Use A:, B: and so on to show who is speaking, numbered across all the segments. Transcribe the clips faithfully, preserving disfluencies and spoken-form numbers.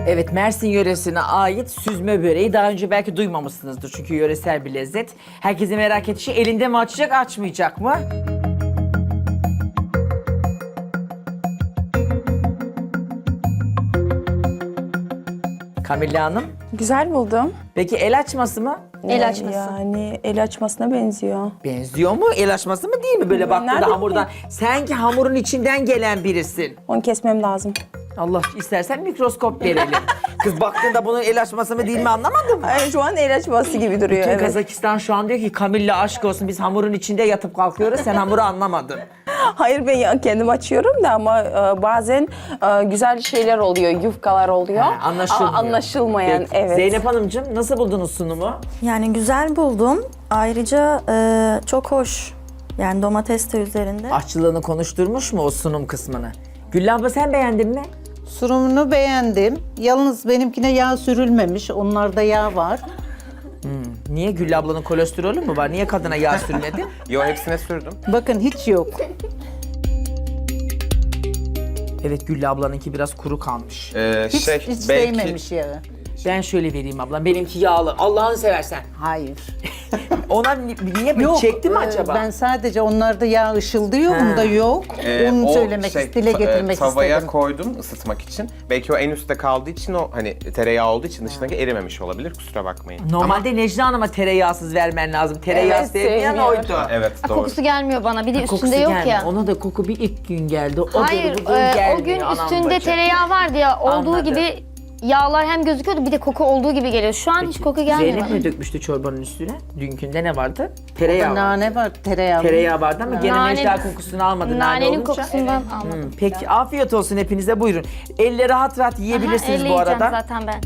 A: Evet, Mersin yöresine ait süzme böreği daha önce belki duymamışsınızdır çünkü yöresel bir lezzet. Herkesin merak ettiği şey, elinde mi açacak, açmayacak mı? Kamilla Hanım,
B: Güzel buldum.
A: peki el açması mı?
C: El açması.
B: Yani el açmasına benziyor.
A: Benziyor mu? El açması mı değil mi? Böyle baktığında
B: Nerede
A: hamurdan. Sen ki hamurun içinden gelen birisin.
B: Onu kesmem lazım.
A: Allah, istersen mikroskop verelim. Kız baktığında bunun el açması mı değil mi anlamadın mı?
B: Ay, şu an el açması gibi duruyor.
A: Bütün
B: Evet.
A: Kazakistan şu an diyor ki Kamilla aşk olsun, biz hamurun içinde yatıp kalkıyoruz, sen hamuru anlamadın.
B: Hayır, ben ya- kendim açıyorum da ama e, bazen e, güzel şeyler oluyor, yufkalar oluyor.
A: Ha, anlaşılmıyor.
B: Aa, anlaşılmayan,
A: Peki.
B: evet.
A: Zeynep Hanımcığım, nasıl buldunuz sunumu?
D: Yani güzel buldum. Ayrıca e, çok hoş. Yani domates de üzerinde.
A: Aşçılığını konuşturmuş mu o sunum kısmını? Güllü abla, sen beğendin mi?
E: Sunumunu beğendim. Yalnız benimkine yağ sürülmemiş. Onlarda yağ var.
A: Niye? Güllü ablanın kolesterolü mü var? Niye kadına yağ sürmedi?
F: Yo, hepsine sürdüm.
E: Bakın hiç yok.
A: Evet, Güllü ablanınki biraz kuru kalmış.
F: Ee,
E: Hiç,
F: şey,
E: hiç
F: belki
E: değmemiş yağı.
A: Ben şöyle vereyim ablam, benimki yağlı. Allah'ını seversen.
E: Hayır.
A: Ona ni- niye
E: Yok.
A: çekti mi
E: e,
A: acaba?
E: Ben sadece onlarda yağ ışıldıyor. Bunda yok.
F: e,
E: Onu
F: o
E: söylemek,
F: şey,
E: dile
F: ta-
E: getirmek
F: e, tavaya
E: istedim.
F: koydum ısıtmak için. Belki o en üstte kaldığı için o hani tereyağı olduğu için dışındaki erimemiş olabilir. Kusura bakmayın.
A: Normalde Necla Hanım'a tereyağsız vermen lazım. Tereyağı
B: Evet,
A: sevmeyen
B: sevmiyor.
A: oydu.
F: Ama, evet,
C: Ha,
F: doğru.
C: kokusu gelmiyor bana. Bir de
A: Kokusu
C: üstünde yok
A: gelmiyor.
C: ya.
A: Ona da koku bir ilk gün geldi. O
C: Hayır,
A: bugün
C: e,
A: gelmiyor
C: o gün
A: anam
C: üstünde
A: bacı.
C: tereyağı vardı ya. Olduğu
A: Anladım.
C: gibi yağlar hem gözüküyordu, bir de koku olduğu gibi geliyor. Şu an hiç koku gelmiyor
A: Zeynep
C: bana.
A: mi dökmüştü çorbanın üstüne? Dünkünde ne vardı? Tereyağı vardı.
E: Nane var, tereyağı var.
A: Tereyağı vardı ama gene
C: Nane-
A: Necla kokusunu almadı nane
C: Nanenin
A: olunca.
C: kokusundan almadım.
A: Hmm, peki afiyet olsun hepinize, buyurun. Elle rahat rahat yiyebilirsiniz
C: Aha,
A: bu
C: elle
A: arada.
C: yiyeceğim zaten ben.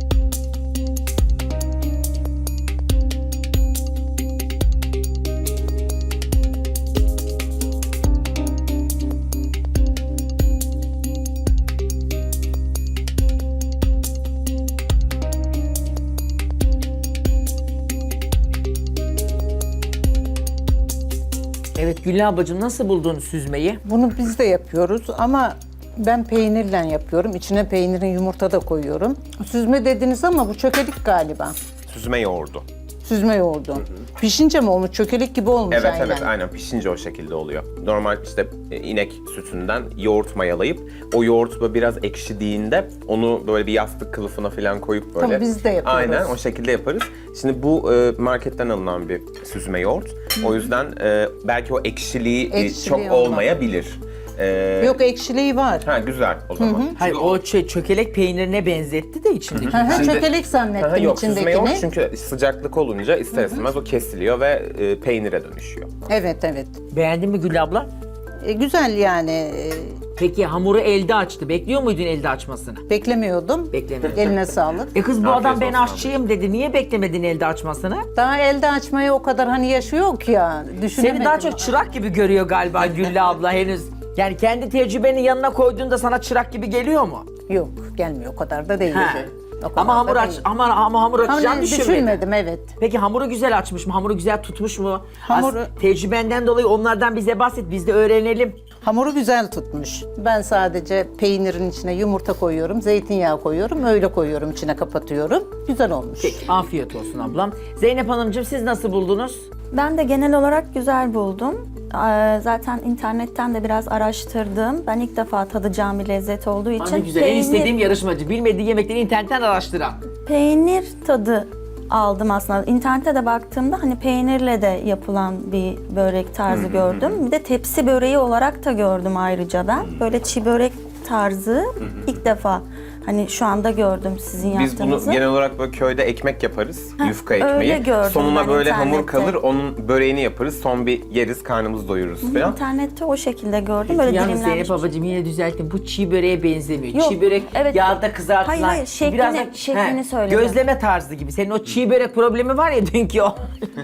A: Evet Güllü ablacığım, nasıl buldun süzmeyi?
E: Bunu biz de yapıyoruz ama ben peynirle yapıyorum. İçine peynirin yumurta da koyuyorum. Süzme dediniz ama bu çökelik galiba.
F: Süzme yoğurdu.
E: Süzme yoğurdu. Pişince mi olmuş? Çökelik gibi olmuş
F: Evet
E: aynen.
F: evet aynen, pişince o şekilde oluyor. Normal işte e, inek sütünden yoğurt mayalayıp o yoğurt böyle biraz ekşidiğinde onu böyle bir yastık kılıfına falan koyup böyle.
E: Tamam, biz de yapıyoruz.
F: Aynen o şekilde yaparız. Şimdi bu e, marketten alınan bir süzme yoğurt. O yüzden e, belki o ekşiliği, e,
E: Ekşiliği
F: çok
E: olmaz.
F: olmayabilir. E,
E: Yok, ekşiliği var.
F: Ha, güzel o zaman.
A: Hayır, o şey, çökelek peynirine benzetti de içindeki.
E: Hı hı,
F: Şimdi-
E: çökelek
F: Aha,
E: zannettim
F: yok, süzme yoğurt
E: içindekini.
F: çünkü sıcaklık olunca ister istemez o kesiliyor ve e, peynire dönüşüyor.
E: Evet evet.
A: Beğendin mi Güllü abla?
E: E, güzel yani. E,
A: Peki hamuru elde açtı. Bekliyor muydun elde açmasını?
E: beklemiyordum.
A: Beklemiyordum.
E: Eline sağlık.
A: E kız bu
F: Afiyet
A: adam ben
F: olsun abla.
A: aşçıyım dedi. Niye beklemedin elde açmasını?
E: Daha elde açmaya o kadar hani yaşı yok ya. Düşünemedim.
A: Seni daha çok çırak gibi görüyor galiba Güllü abla henüz. Yani kendi tecrübeni yanına koyduğunda sana çırak gibi geliyor mu?
E: Yok, gelmiyor, o kadar da değil.
A: He.
E: O kadar
A: Ama hamur
E: da
A: aç,
E: değil.
A: ama, ama hamur açacağını
E: Hamur
A: düşünmedin.
E: düşünmedim, evet.
A: Peki hamuru güzel açmış mı? Hamuru güzel tutmuş mu?
E: Hamuru-
A: As- tecrübenden dolayı onlardan bize bahset, biz de öğrenelim.
E: Hamuru güzel tutmuş. Ben sadece peynirin içine yumurta koyuyorum, zeytinyağı koyuyorum, öyle koyuyorum, içine kapatıyorum. Güzel olmuş.
A: Peki, afiyet olsun ablam. Zeynep Hanımcığım, siz nasıl buldunuz?
D: Ben de genel olarak güzel buldum. Ee, Zaten internetten de biraz araştırdım. Ben ilk defa tadacağım bir lezzet olduğu için
A: Ne güzel, en
D: peynir,
A: istediğim yarışmacı. Bilmediği yemekleri internetten araştıran.
D: peynir tadı aldım aslında. İnternette de baktığımda hani peynirle de yapılan bir börek tarzı gördüm. Bir de tepsi böreği olarak da gördüm ayrıca ben. Böyle çiğ börek tarzı ilk defa hani şu anda gördüm sizin
F: Biz bunu
D: yaptığınızı.
F: genel olarak böyle köyde ekmek yaparız, yufka
D: öyle
F: ekmeği.
D: gördüm
F: Sonuna
D: ben
F: böyle hamur
D: internette.
F: kalır, onun böreğini yaparız. Son bir yeriz, karnımızı doyururuz falan.
D: İnternette o şekilde gördüm. Böyle
A: Yalnız
D: dilimlenmiş.
A: Zeynep babacığım yine düzelttim. Bu çiğ böreğe benzemiyor.
D: Yok,
A: Çiğ börek
D: evet.
A: yağda kızartılan.
D: Hayır, hayır, şeklini-
A: biraz da-
D: şeklini söyledim.
A: Gözleme tarzı gibi. Senin o çiğ börek problemi var ya dünkü o.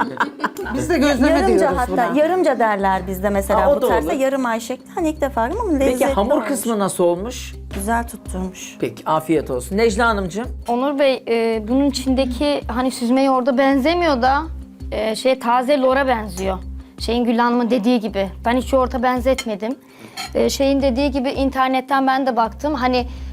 E: Biz de gözleme
D: Yarımca
E: diyoruz
D: hatta
E: buna.
D: yarımca derler bizde mesela
A: Ha, o
D: bu
A: da
D: tarzda
A: olur.
D: yarım ay şekli. Hani ilk defa ama lezzetli
A: Peki hamur
D: olmuş.
A: kısmı nasıl olmuş?
D: Güzel tutturmuş.
A: Peki afiyet olsun. Necla Hanımcığım.
C: Onur Bey, e, bunun içindeki hani süzme yoğurda benzemiyor da e, şey taze lora benziyor. Şeyin Gül Hanım'ın dediği gibi. Ben hiç yoğurta benzetmedim. E, şeyin dediği gibi internetten ben de baktım. Hani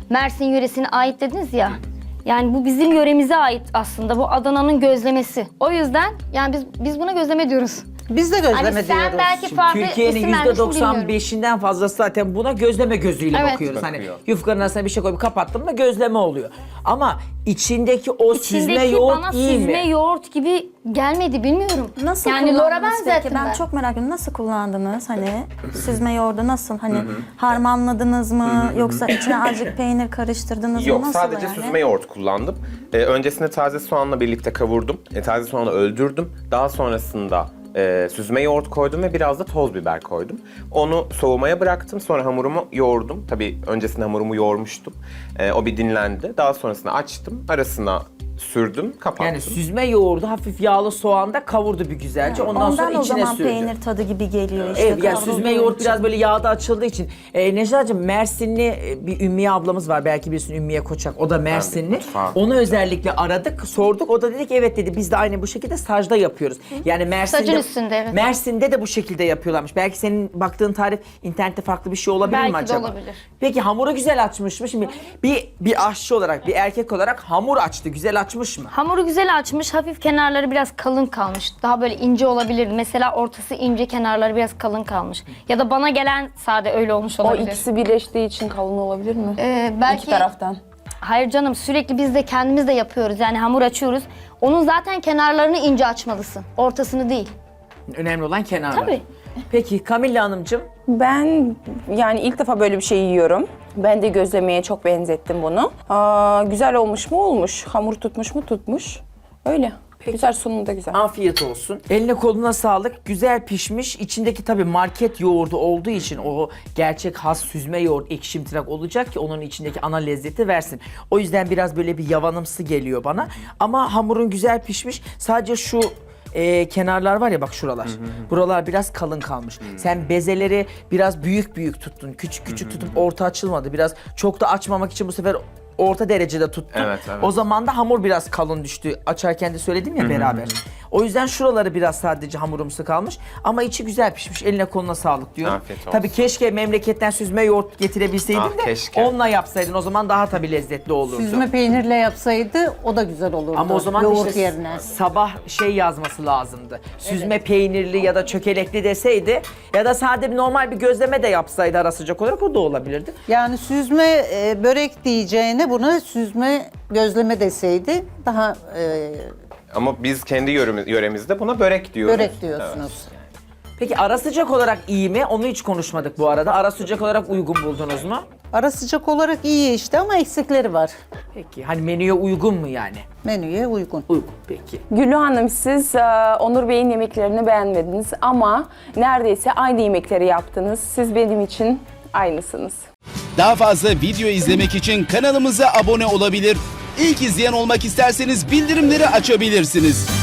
C: Mersin yöresine ait dediniz ya. Yani bu bizim yöremize ait aslında. Bu Adana'nın gözlemesi. O yüzden yani biz biz buna gözleme diyoruz.
E: Biz de gözleme
C: Hani sen
E: diyoruz.
C: belki farklı
A: Türkiye'nin
C: isim
A: yüzde
C: vermişsin,
A: doksan
C: bilmiyorum.
A: beşinden fazlası zaten buna gözleme gözüyle
C: Evet.
A: bakıyoruz. Hani
F: Bakıyor.
A: yufkanın arasına bir şey koyup kapattın mı gözleme oluyor. Ama içindeki o süzme
C: İçindeki
A: yoğurt
C: bana
A: iyi
C: süzme
A: mi?
C: yoğurt gibi gelmedi, bilmiyorum.
D: Nasıl
C: yani lora
D: kullandınız peki?
C: benzettim
D: Ben,
C: ben.
D: çok merak ediyorum. Nasıl kullandınız? Hani süzme yoğurdu nasıl? Hani harmanladınız mı? Yoksa içine azıcık peynir karıştırdınız mı?
F: Yok,
D: Nasıl
F: sadece
D: yani?
F: süzme yoğurt kullandım. Ee, öncesinde taze soğanla birlikte kavurdum. E, taze soğanı öldürdüm. Daha sonrasında e, süzme yoğurt koydum ve biraz da toz biber koydum. Onu soğumaya bıraktım. Sonra hamurumu yoğurdum. Tabii öncesinde hamurumu yoğurmuştum. E, o bir dinlendi. Daha sonrasında açtım. Arasına sürdüm, kapattım.
A: Yani süzme yoğurdu hafif yağlı soğanda kavurdu bir güzelce. Ondan,
D: Ondan
A: sonra
D: o
A: içine
D: zaman
A: sürdü.
D: peynir tadı gibi geliyor işte.
A: Evet, yani
D: kavrulduğu
A: süzme yoğurt
D: için.
A: biraz böyle yağda açıldığı için. Ee, Necla'cığım, Mersinli e, bir Ümmiye ablamız var. Belki bilirsin, Ümmiye Koçak. O da Mersinli.
F: mutfağa-
A: Onu özellikle aradık, sorduk. O da dedi ki evet dedi, biz de aynı bu şekilde sacda yapıyoruz. Yani Mersin'de,
C: Sacın üstünde, evet.
A: Mersin'de de bu şekilde yapıyorlarmış. Belki senin baktığın tarif internette farklı bir şey olabilir mi
C: Belki de
A: acaba?
C: olabilir.
A: Peki hamuru güzel açmış mı? Şimdi bir, bir aşçı olarak, bir erkek olarak hamur açtı. Güzel açmış mı?
C: Hamuru güzel açmış, hafif kenarları biraz kalın kalmış. Daha böyle ince olabilirdi. Mesela ortası ince, kenarları biraz kalın kalmış. Ya da bana gelen sade öyle olmuş
B: O
C: olabilir.
B: ikisi birleştiği için kalın olabilir mi?
C: Ee, belki
B: İki taraftan.
C: Hayır canım, sürekli biz de kendimiz de yapıyoruz. Yani hamur açıyoruz. Onun zaten kenarlarını ince açmalısın. Ortasını değil.
A: Önemli olan kenarlar.
C: Tabii.
A: Peki Kamilla Hanımcığım?
B: Ben yani ilk defa böyle bir şey yiyorum. Ben de gözlemeye çok benzettim bunu. Aa, güzel olmuş mu? Olmuş. Hamur tutmuş mu? Tutmuş. Öyle. Güzel, sunumu da güzel.
A: Afiyet olsun. Eline koluna sağlık. Güzel pişmiş. İçindeki tabii market yoğurdu olduğu için o gerçek has süzme yoğurt ekşimtırak olacak ki onun içindeki ana lezzeti versin. O yüzden biraz böyle bir yavanımsı geliyor bana. Ama hamurun güzel pişmiş. Sadece şu e, kenarlar var ya, bak şuralar. Buralar biraz kalın kalmış. Sen bezeleri biraz büyük büyük tuttun. Küçük küçük tutup orta açılmadı. Biraz çok da açmamak için bu sefer orta derecede tuttun.
F: Evet, evet.
A: O zaman da hamur biraz kalın düştü. Açarken de söyledim ya beraber. O yüzden şuraları biraz sadece hamurumsu kalmış. Ama içi güzel pişmiş. Eline koluna sağlık diyorum.
F: Afiyet olsun.
A: Tabii keşke memleketten süzme yoğurt getirebilseydin
F: Ah,
A: de
F: keşke.
A: onunla yapsaydın. O zaman daha tabii lezzetli olurdu.
E: Süzme peynirle yapsaydı o da güzel olurdu.
A: Ama o zaman
E: yoğurt
A: işte
E: yerine.
A: sabah şey yazması lazımdı. Süzme peynirli ya da çökelekli deseydi ya da sade bir normal bir gözleme de yapsaydı ara sıcak olarak, o da olabilirdi.
E: Yani süzme e, börek diyeceğine buna süzme gözleme deseydi daha e,
F: Ama biz kendi yöremiz, yöremizde buna börek diyoruz.
E: börek diyorsunuz.
A: Peki ara sıcak olarak iyi mi? Onu hiç konuşmadık bu arada. Ara sıcak olarak uygun buldunuz mu?
E: Ara sıcak olarak iyi işte ama eksikleri var.
A: Peki hani menüye uygun mu yani?
E: Menüye uygun.
A: Uygun peki.
B: Güllü Hanım, siz e, Onur Bey'in yemeklerini beğenmediniz ama neredeyse aynı yemekleri yaptınız. Siz benim için aynısınız.
G: Daha fazla video izlemek için kanalımıza abone olabilir. İlk izleyen olmak isterseniz bildirimleri açabilirsiniz.